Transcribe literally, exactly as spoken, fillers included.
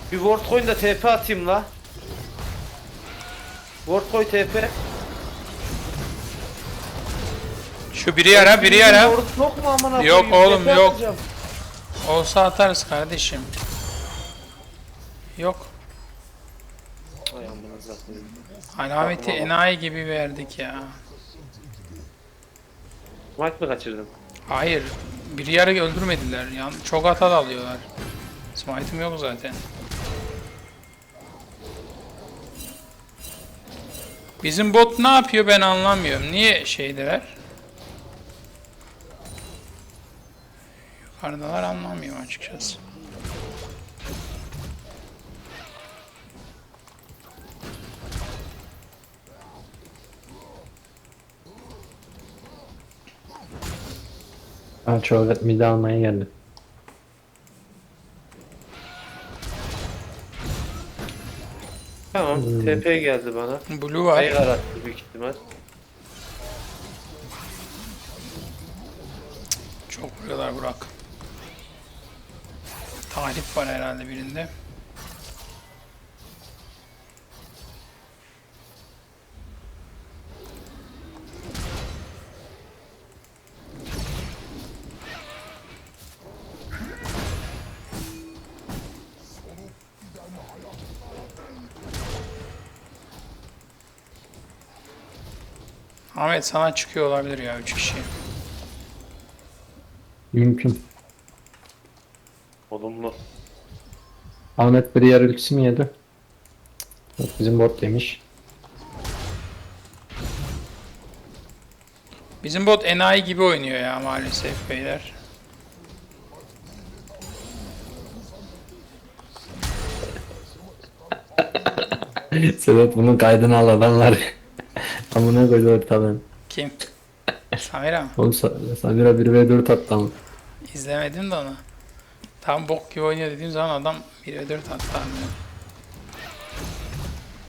Bir ward coin da T P atayım la. Ward coin T P. Şu biri yara, biri yara. Ward yok mu amına Yok koyayım? oğlum, T P yok. atacağım. Olsa atarız kardeşim. Yok. Ay amına zaten. Alameti enayi gibi verdik ya. Smite mı kaçırdım? Hayır. Biri yarı öldürmediler. Yani çok hata da alıyorlar. Smite'ım yok zaten. Bizim bot ne yapıyor ben anlamıyorum. Niye şeydeler? Yukarıdalar, anlamıyorum açıkçası. Ha çoğu mide almaya geldi. Tamam. Hmm. T P geldi bana. Blue var. Ayı arattı büyük ihtimal. Çok vuruyorlar Burak. Tahrip var herhalde birinde. Ahmet sana çıkıyor olabilir ya üç kişi. Mümkün. Olumlu. Ahmet bir yer ultisi mi yedi? Yok, bizim bot demiş. Bizim bot enayi gibi oynuyor ya maalesef beyler. Sedat bunun kaydını al adamlar. Amına koydu ortalığın. Kim? Samira mı? Oğlum Sa- Samira bir ve dört attı ama. İzlemedim de onu. Tam bok gibi oynuyor dediğim zaman adam bir ve dört attı.